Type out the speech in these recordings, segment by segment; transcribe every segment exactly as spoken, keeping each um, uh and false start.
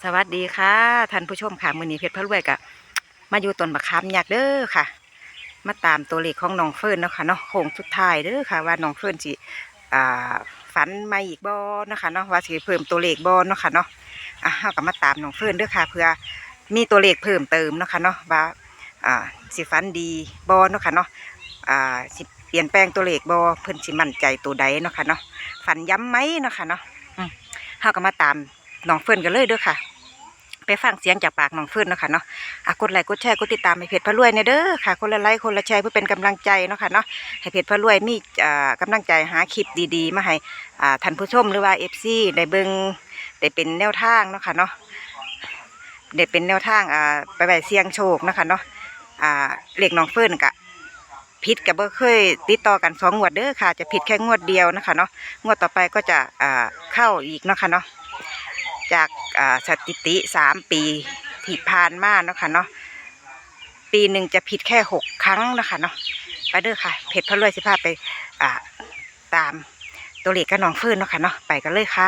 สวัสดีค่ะท่านผู้ชมค่ะมื้อนี้เพชรพระรวยกับมาอยู่ต้นมะขามยักษ์เด้อค่ะมาตามตัวเลขของน้องเฟิร์นเนาะค่ะเนาะโค้งสุดท้ายเด้อค่ะว่าน้องเฟิร์นสิอ่าฝันมาอีกบ่เนาะค่ะเนาะว่าสิเพิ่มตัวเลขบ่เนาะค่ะเนาะอ่ะเฮาก็มาตามน้องเฟิร์นเด้อค่ะเพื่อมีตัวเลขเพิ่มเติมเนาะค่ะเนาะว่าอ่าสิฝันดีบ่เนาะค่ะเนาะอ่าสิเปลี่ยนแปลงตัวเลขบ่เพิ่นสิมั่นใจตัวใดเนาะค่ะเนาะฝันย้ำไหมเนาะค่ะเนาะอืมเฮาก็มาตามน้องเฟิร์นกันเลยเด้อค่ะไปฟังเสียงจากปากน้องเฟิร์นเนาะค่ะเนาะอ่ะกดไลค์กดแชร์กดติดตามให้เพจพระรวยเนี่ยเด้อค่ะคนละไลค์คนละแชร์เพื่อเป็นกำลังใจเนาะค่ะเนาะให้เพจพระรวยมีอ่ากำลังใจหาคลิปดีๆมาให้อ่าท่านผู้ชมหรือว่าเอฟซีได้เบิ่งได้เป็นแนวทางเนาะค่ะเนาะได้เป็นแนวทางอ่าไปไปเสี่ยงโชคเนาะค่ะเนาะอ่าเลขน้องเฟิร์นกะผิดกับเบ่เคยติดต่อกันสองงวดเด้อค่ะจะผิดแค่งวดเดียวนะคะเนาะงวดต่อไปก็จะอ่าเข้าอีกเนาะค่ะเนาะจากสถิติสามปีที่ผ่านมาเนาะค่ะเนาะปีหนึ่งจะผิดแค่หกครั้งนะคะเนาะไปเด้อค่ะเพจพระรวยสิพาไปอ่าตามตัวเลขกับน้องเฟิร์นเนาะค่ะเนาะไปกันเลยค่ะ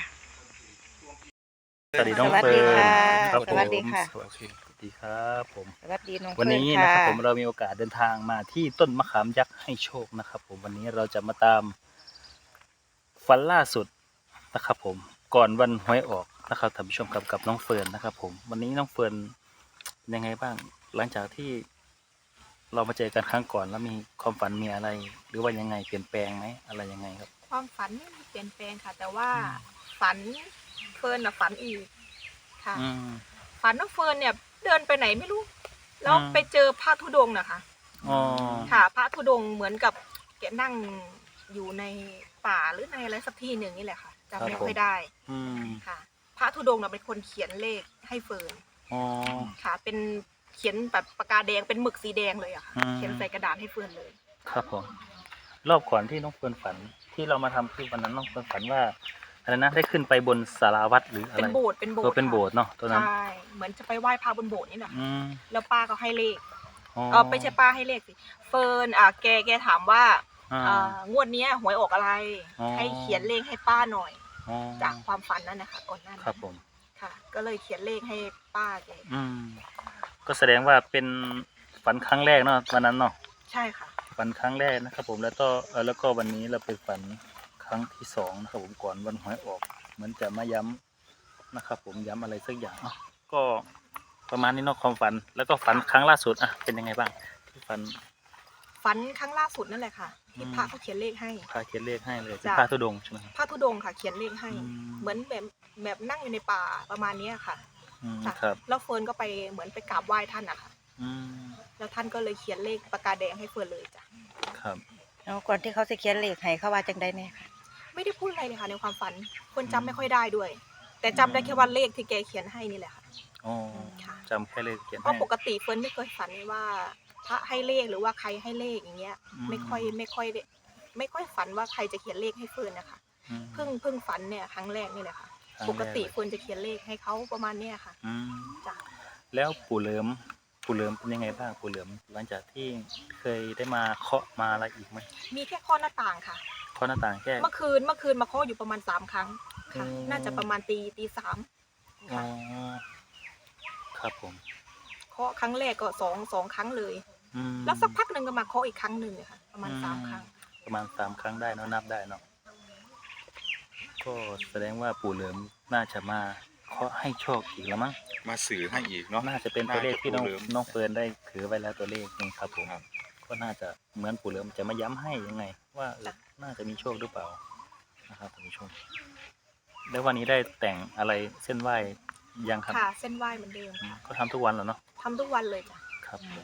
สวัสดีน้องสวัสเฟิดีร์นค่ะครับผมสวัสดีค่ะสวัสดีครับผมสวัสดีน้องวันเฟิร์นนี้ค่ะนะครับผมเรามีโอกาสเดินทางมาที่ต้นมะขามยักษ์ให้โชคนะครับผมวันนี้เราจะมาตามฝันล่าสุดนะครับผมก่อนวันหวยออกนะครับท่านผู้ชมกับกับน้องเฟิร์นนะครับผมวันนี้น้องเฟิร์นยังไงบ้างหลังจากที่เรามาเจอกันครั้งก่อนแล้วมีความฝันมีอะไร หรือว่ายังไงเปลี่ยนแปลงไหมอะไรยังไงครับความฝันไม่มีเปลี่ยนแปลงค่ะ แต่ว่าฝันเฟิร์นอะฝันอีกค่ะอืมฝันว่าเฟิร์นเนี่ยเดินไปไหนไม่รู้แล้วอืมไปเจอพระธุดงค์นะคะอ๋อค่ะพระธุดงค์เหมือนกับแกนั่งอยู่ในป่าหรือในอะไรสักที่หนึ่งนี่แหละค่ะจำไม่ค่อยได้อืมค่ะ พระธุดงค์น่ะเป็นคนเขียนเลขให้เฟิร์นอ๋อค่ะ เป็นเขียนแบบปากกาแดงเป็นหมึกสีแดงเลยอะค่ะอืมเขียนใส่กระดาษให้เฟิร์นเลยครับผมรอบก่อนที่น้องเฟิร์นฝันที่เรามาทำคือวันนั้นน้องเฟิร์นฝันว่าอะไรนะได้ขึ้นไปบนศาลาวัดหรืออะไรเป็นโบสถ์เป็นโบสเออถ์เป็นโบสถ์เนาะตัวนั้นใช่เหมือนจะไปไหว้พระบนโบสถ์นี่แหละอืมแล้วป้าก็ให้เลขอ๋อเออไม่ใช่ป้าให้เลขสิเฟิร์นอ่ะแกแกถามว่าอ่าอ่างวดเนี้ยหวยออกอะไรอ๋อให้เขียนเลขให้ป้าหน่อยอ๋อจากความฝันนั่นนะคะก่อนหน้าคนั้รับนผมค่ะ ก็เลยเขียนเลขให้ป้าแกอืมก็แสดงว่าเป็นฝันครั้งแรกเนาะวันนั้นเนาะใช่ค่ะฝันครั้งแรกนะครับผมแล้วก็เออแล้วก็วันนี้เราไปฝันครั้งที่สองนะครับผมก่อนวันหวยออกเหมือนจะมาย้ำนะครับผมย้ำอะไรสักอย่างเนาะก็ประมาณนี้เนาะความฝันแล้วก็ฝันครั้งล่าสุดอ่ะเป็นยังไงบ้างที่ฝันฝันครั้งล่าสุดนั่นแหละค่ะ ที่อืมพระเขาเขียนเลขให้พาเขียนเลขให้เลยเป็นจ้ะพระธุดงค์ใช่ไหมครับพระธุดงค์ค่ะ เขียนเลขให้อืมเหมือนแบบแบบนั่งอยู่ในป่าประมาณเนี้ยค่ะอืมจ้ะครับแล้วเฟิร์นก็ไปเหมือนไปกราบไหว้ท่านอะค่ะอืมแล้วท่านก็เลยเขียนเลขปากกาแดงให้เฟิร์นเลยจ้ะครับเอาก่อนที่เขาจะเขียนเลขให้เขาว่าจังได้เนี่ยค่ะไม่ได้พูดอะไรเลยค่ะในความฝันเฟิร์นจำไม่ค่อยได้ด้วย แต่จำได้แค่ว่าเลขที่แกเขียนให้นี่แหละค่ะอ๋อค่ะจำแค่เลขเขียนเพให้ราะปกติเฟิร์นไม่เคยฝันว่าพระให้เลขหรือว่าใครให้เลขอย่างเงี้ยอืมไม่ค่อยไม่ค่อยได้ไม่ค่อยฝันว่าใครจะเขียนเลขให้เฟิร์นนะคะอืมเพิ่งเพิ่งฝันเนี่ยครั้งแรกนี่แหละค่ะครั้งแรกปกติเฟิร์นจะเขียนเลขให้เขาประมาณเนี้ยค่ะอืมจ้ะแล้วปู่เหลิมปู่เหลิมเป็นยังไงบ้างปู่เหลิมหลังจากที่เคยได้มาเคาะมาอะไรอีกไหมมีแค่ข้อหน้าต่างค่ะเคาะหน้าต่างแค่เมื่อคืนเมื่อคืนมาเคาะอยู่ประมาณสามครั้งค่ะอืมน่าจะประมาณตีตีสามอ๋อครับผมเคาะครั้งแรกก็สองสองครั้งเลยอืมแล้วสักพักหนึ่งก็มาเคาะอีกครั้งหนึ่งค่ะ ประมาณสามครั้งประมาณสามครั้งได้เนอะนับได้เนาะก็แสดงว่าปู่เหลิมน่าจะมาเคาะให้โชคอีกแล้วมั้งมาสื่อให้อีกเนาะน่าจะเป็นตัวเลขที่น้องน่าจะปู่เหลิมน้องเฟิร์นได้ถือไว้แล้วตัวเลขนึงครับผมครับก็น่าจะเหมือนปู่เหลิมจะมาย้ำให้ยังไง ว่าเออน่าจะมีโชคหรือเปล่านะครับท่านผู้ชมแล้ววันนี้ได้แต่งอะไรเส้นไหว้ยังครับค่ะ เส้นไหว้เหมือนเดิมอืมค่ะก็ทำทุกวันแล้วเนาะทำทุกวันเลยจ้ะครับผม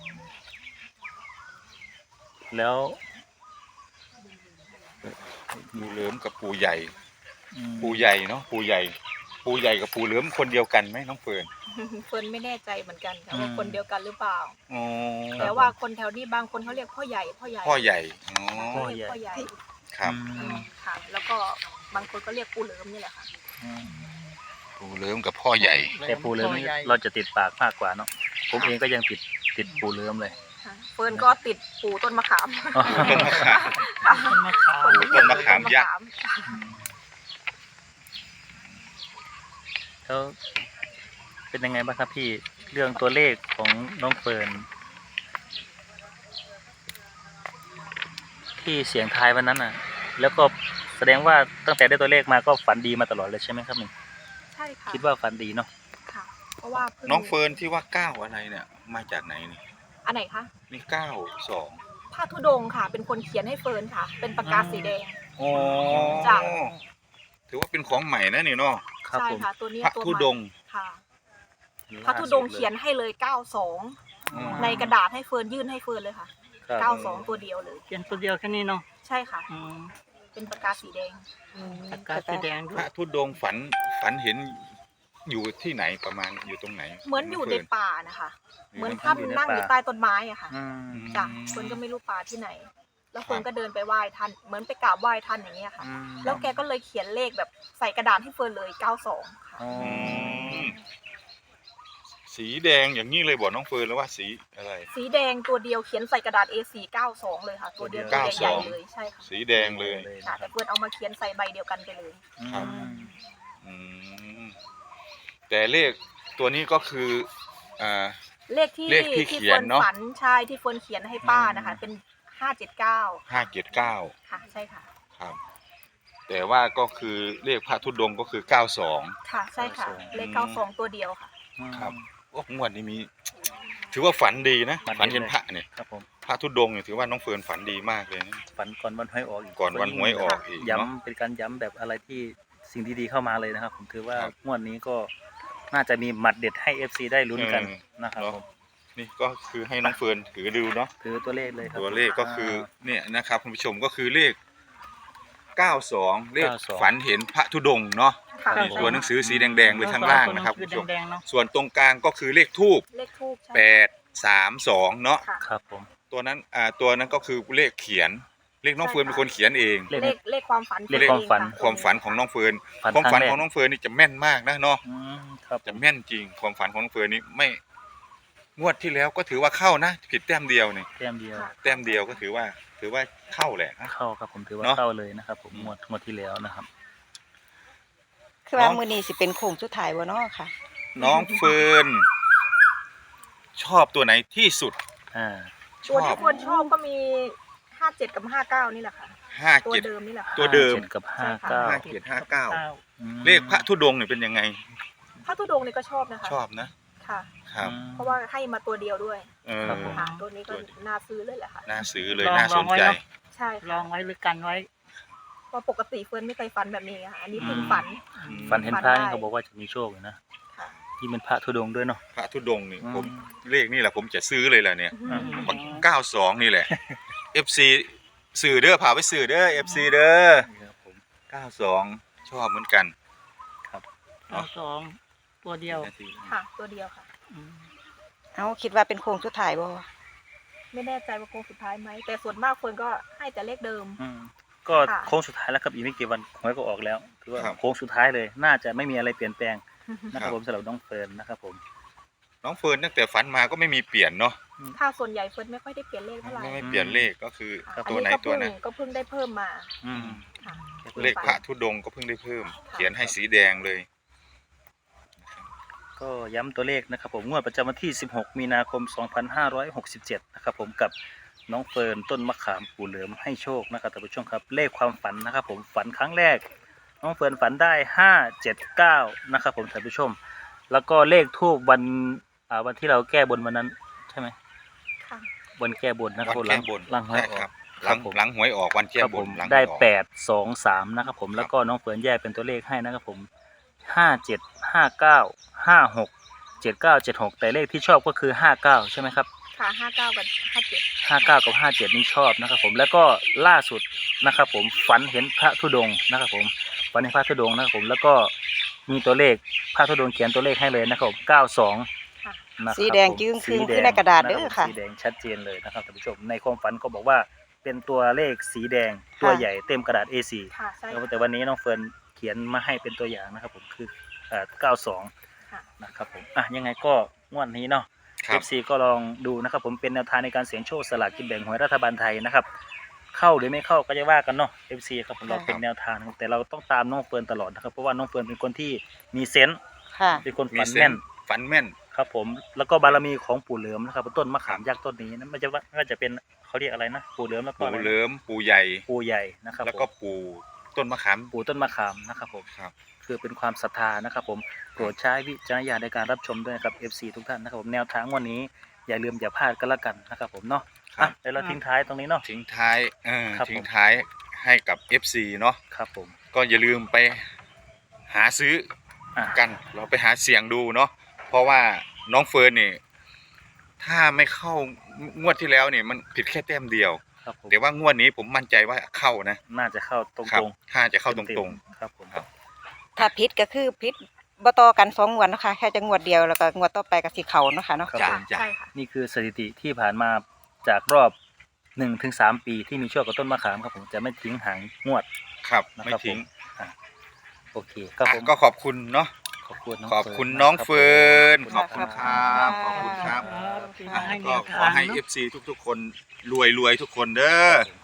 แล้วปู่เหลิมกับปู่ใหญ่อืมปู่ใหญ่เนาะปู่ใหญ่ ปู่ใหญ่กับปู่เหลิมคนเดียวกันไหมน้องเฟิร์นเฟิร์นไม่แน่ใจเหมือนกันค่ะว่าคนเดียวกันหรือเปล่าอ๋อแต่ว่าคนแถวนี้บางคนเขาเรียกพ่อใหญ่พ่อใหญ่พ่อใหญ่อ๋อเขาเรียกพ่อใหญ่ครับอืมค่ะ แล้วก็บางคนก็เรียกปู่เหลิมนี่แหละค่ะอืมปู่เหลิมกับพ่อใหญ่แต่ปูเหลือมนี่เราจะติดปากมากกว่าเนาะผมเองก็ยังติดติดปูเหลือมเลยค่ะเฟิร์นก็ติดปู่ต้นมะขามต้นมะขามต้นมะขามคนเรียกต้นมะขามยักษ์ถ้าแล้วเป็นยังไงบ้างครับพี่เรื่องตัวเลขของน้องเฟิร์นที่เสียงทายวันนั้นน่ะ แล้วก็แสดงว่าตั้งแต่ได้ตัวเลขมาก็ฝันดีมาตลอดเลยใช่ไหมครับนี่ใช่ค่ะคิดว่าฝันดีเนาะค่ะ เพราะว่าพิ่น้องเฟิร์นที่ว่าเก้าอะไรเนี่ยมาจากไหนนี่อันไหนคะนี่เก้าสองพระธุดงค์ค่ะ เป็นคนเขียนให้เฟิร์นค่ะ เป็นปากกาสีแดงอ๋อจ้ะถือว่าเป็นของใหม่นะนี่เนาะครับใช่ผมค่ะ ตัวนี้พระตัวธุใหม่ดงค์ค่ะ พระธุดงค์เขียนให้เลยเก้าสองอืมในกระดาษให้เฟิร์นยื่นให้เฟิร์นเลยค่ะครับเก้าสองตัวเดียวเลยเขียนตัวเดียวแค่นี้เนาะใช่ค่ะอืมเป็นปากกาสีแดงปากกาสีแดงด้พวยระธุดงค์ฝันฝันเห็นอยู่ที่ไหนประมาณอยู่ตรงไหนเหมือนอยู่ในงฟิร์ป่านะคะ เหมือนอยู่ท่านในนั่งป่าอยู่ใต้ต้นไม้อะค่ะอืมจ้ะเฟิร์นก็ไม่รู้ป่าที่ไหน แล้วเฟิร์นก็เดินไปไหว้ท่าน เหมือนไปกราบไหว้ท่านอย่างเงี้ยค่ะอืมแล้วแกก็เลยเขียนเลขแบบใส่กระดาษให้เฟิร์นเลยเก้าสองค่ะอ๋ออืมสีแดงอย่างนี้เลยบอกน้องเฟิร์นแล้วว่าสีอะไรสีแดงตัวเดียวเขียนใส่กระดาษ เอ สี่ เก้าสองเลยค่ะ ตัวเดียวตัวใหญ่ๆเลย ใช่ค่ะสีแดงเลยค่ะแต่เฟิร์นเอามาเขียนใส่ใบเดียวกันไปเลยครับอืมอืมแต่เลขตัวนี้ก็คืออ่าเลขที่เลขที่ที่เขียเฟินร์นเนอะฝันใช่ที่เฟิร์นเขียนให้ป้านะคะ เป็นห้าเจ็ดเก้าห้าเจ็ดเก้าค่ะ ใช่ค่ะครับ แต่ว่าก็คือเลขพระธุดงค์ก็คือเก้าสองค่ะ ใช่ค่ะ เลขเก้าสองตัวเดียวค่ะครับ โอ้งวดนี้มี ถือว่าฝันดีนะฝันดีฝันเห็นพระเนี่ยครับผมพระธุดงค์เนี่ยถือว่าน้องเฟิร์นฝันดีมากเลยนะฝันก่อนวันหวยออกอีกก่อนวันหวยออกอีกเนาะย้ำเป็นการย้ำแบบอะไรที่สิ่งดีๆเข้ามาเลยนะครับ ผมถือว่าครับงวดนี้ก็น่าจะมีหมัดเด็ดให้ เอฟ ซี ได้ลุ้นกันเออนะครับเนอะผมนี่ก็คือให้น้องเฟิร์นถือดูเนาะถือตัวเลขเลยครับตัวเลขก็คือเนี่ยนะครับคุณผู้ชมก็คือเลขเก้าสองเลขเก้าสองฝันเห็นพระธุดงค์เนาะค่ะนี่ตัวหนังสือสีแดงๆเลยข้างล่างนะครับคุณผู้ชมแดงๆเนาะส่วนตรงกลางก็คือเลขทูบเลขทูบใช่แปดสามสองเนาะค่ะครับผมตัวนั้นอ่าตัวนั้นก็คือเลขเขียน เลขน้องเฟิร์นเป็นคนเขียนเองเลขเลขเลขความฝันเลขความฝันเฟิร์นเองะความฝันของน้องเฟิร์นฝันความฝันครั้งแรกของน้องเฟิร์นนี่จะแม่นมากนะเนาะอืมครับจะแม่นจริง ความฝันของน้องเฟิร์นนี่ไม่งวดที่แล้วก็ถือว่าเข้านะผิดแต้มเดียวนี่แต้มเดียวค่ะแต้มเดียวก็ถือว่า ถือว่าเข้าแหละนะเข้าครับผมถือว่าเนอะเข้าเลยนะครับ ผมงวดงวดที่แล้วนะครับคือว่าน้องมื้อนี้สิเป็นโค้งสุดท้ายบ่เนาะค่ะน้องเฟิร์นชอบตัวไหนที่สุดอ่าชตัวอที่บเฟิร์นชอบก็มีห้าเจ็ดกับห้าเก้านี่แหละค่ะห้าตัวเจ็ดเดิมนี่แหละค่ะตัวเดิมห้าจ็กับห้าใช่เก้าค่ะห้าเจ็ดห้าเก้าเก้าอืมเลขพระธุดงค์เนี่ยเป็นยังไงพระธุดงค์นี่ก็ชอบนะคะชอบนะค่ะครับอืมเพราะว่าให้มาตัวเดียวด้วยเออครับผมค่ะ ตัวนี้ก็น่าซื้อเลยแหละค่ะน่าซื้อเลยลองน่าสนใจลองไว้เนอะใช่ลองไว้หรือกันไว้เพราะปกติเฟิร์นไม่เคยฝันแบบนี้ค่ะ อันนี้เพิ่งฝันฝันเห็นฝันพระได้นี่เขาบอกว่าจะมีโชคอยู่นะค่ะที่เป็นพระธุดงค์ด้วยเนาะพระธุดงค์นี่อืมผมเลขนี่แหละผมจะซื้อเลยแหละเนี่ยอืมเก้าสองนี่แหละ เอฟ ซี สื่อเด้อพาไปสื่อเด้อ เอฟ ซี เด้อนี่ครับผมเก้าสองชอบเหมือนกันครับเก้าสองตัวเดียวค่ะ ตัวเดียวค่ะอืมเอ้าคิดว่าเป็นโค้งสุดท้ายบ่ไม่แน่ใจว่าโค้งสุดท้ายไหม แต่ส่วนมากเฟิร์นก็ให้แต่เลขเดิมอืมก็ค่ะโค้งสุดท้ายแล้วครับอีกไม่กี่วันหวยก็ออกแล้วถือว่าครับโค้งสุดท้ายเลย น่าจะไม่มีอะไรเปลี่ยนแปลงนะคครัรับบ ผมสำหรับน้องเฟิร์นนะครับผมน้องเฟิร์นตั้งแต่ฝันมาก็ไม่มีเปลี่ยนเนาะถ้าส่วนใหญ่เฟิร์นไม่ค่อยได้เปลี่ยนเลขเท่าไหร่ไม่ไม่เปลี่ยนเลขก็คือค่ะตัวไหนอัตัวก็นั้เพิ่นงก็เพิ่งได้เพิ่มมาอืมค่ะเลขพระธุดงค์ก็เพิ่งได้เพิ่ม เขียนให้สีแดงเลยก็ย้ำตัวเลขนะครับผมงวดประจำวันที่ สิบหก มีนาคม สองพันห้าร้อยหกสิบเจ็ด นะครับผมกับน้องเฟิร์นต้นมะขามปู่เหลือมให้โชคนะครับท่านผู้ชมครับเลขความฝันนะครับผมฝันครั้งแรก น้องเฟิร์นฝันได้ห้าเจ็ดเก้านะครับผมท่านผู้ชม แล้วก็เลขทูบวันอ่าวันที่เราแก้บนวันนั้นใช่ไหมค่ะวันแก้บนนะครับผมวันแก้บนหลังหวยใช่ออครักบคหลัรังบผมหลังหวยออกวันแก้ครับบผนมหลังหวยได้ออกแปดสองสามนะครับผมแล้วก็น้องเฟิร์นแยกเป็นตัวเลขให้นะครับผมห้าเจ็ดห้าเก้าห้าหกเจ็ดเก้าเจ็ดหกแต่เลขที่ชอบก็คือห้าเก้าใช่ไหมครับค่ะห้าเก้ากับห้าเจ็ดห้าเก้ากับห้าเจ็ดนี่ชอบนะครับผมแล้วก็ล่าสุดนะครับผมฝันเห็นพระธุดงค์นะครับผมฝันเห็นพระธุดงค์นะครับผมแล้วก็มีตัวเลขพระธุดงค์เขียนตัวเลขให้เลยนะครับผมเก้าสองค่ะนะครับสีแดงผมจึ้งครึ่งสีแดขึ้นในกระดาษเด้อค่ะสีแดงชัดเจนเลยนะครับท่านผู้ชมในความฝันก็บอกว่าเป็นตัวเลขสีแดงตัวใหญ่เต็มกระดาษ เอ โฟร์ค่ะ ใช่แล้วแต่วันนี้น้องเฟิร์นเขียนมาให้เป็นตัวอย่างนะครับผมคือเอ่อเก้าสองค่ะนะครับผมอ่ะยังไงก็งวดนี้เนาะครัเอบ ฟ ซี ก็ลองดูนะครับผมเป็นแนวทางในการเสี่ยงโชคสลากกินแบ่งหวยรัฐบาลไทยนะครับเข้าหรือไม่เข้าก็จะว่ากันเนาะ เอฟ ซี ครับผมเราเป็นแนวทางนะครับแต่เราต้องตามน้องเฟิร์นตลอดนะครับเพราะว่าน้องเฟิร์นเป็นคนที่มีเซนส์ค่ะเป็นคนมีฝันเซแม่นนส์ฝันแม่นครับผมแล้วก็บารมีของปู่เหลิมนะครับต้นมะขามยักษ์ต้นนี้นะมันจะว่าก็จะเป็นเขาเรียกอะไรนะปู่เหลิมแล้วก็ปู่อะไรนะเหลิมปู่ใหญ่ปู่ใหญ่นะครับแล้วก็ผมปู่ต้นมะขามปู่ต้นมะขามนะครับผมครับคือเป็นความศรัทธานะครับผมโปรดใช้วิจารณญาณในการรับชมด้วยนะครับ เอฟ ซี ทุกท่านนะครับผมแนวทางวันนี้อย่าลืมอย่าพลาดกันละกันนะครับผมเนาะครับอ่ะเดี๋ยวเราทิ้งท้ายตรงนี้เนาะทิ้งท้ายเออครับผมทิ้งท้ายให้กับ เอฟ ซี เนาะครับผมก็อย่าลืมไปหาซื้ออ่ะกันเราไปหาเสียงดูเนาะเพราะว่าน้องเฟิร์นนี่ถ้าไม่เข้างวดที่แล้วเนี่ยมันผิดแค่แต้มเดียวครับผมแต่ว่างวดนี้ผมมั่นใจว่าเข้านะน่าจะเข้าตรงครับตรงถ้าจะเข้าตรงๆครับผมครับถ้าพิษก็คือพิษบ่ต่อกันสองงวดเนาะคะแค่จะงวดเดียวแล้วก็งวดต่อไปก็สิเขาเนาะค่ะเนาะครับจ้ะผมจ้ะใช่ค่ะนี่คือสถิติที่ผ่านมาจากรอบหนึ่งถึงสามปีที่มีโชคกับต้นมะขามครับผมจะไม่ทิ้งหางงวดๆครับนะไม่ครับทิ้งผมอ่ะโอเคครับอ่ะผมก็ขอบคุณเนาะขอบคุณน้องขอบคุณฟิร์น้องมากเฟิร์นคขรัอบบคุณครับขอบคุณครับครับที่อ่ะมาให้แนก็วขทาอง ให้เนเออะฟซีทุกๆ คนรวยรวยๆทุกคนเด้อครับผม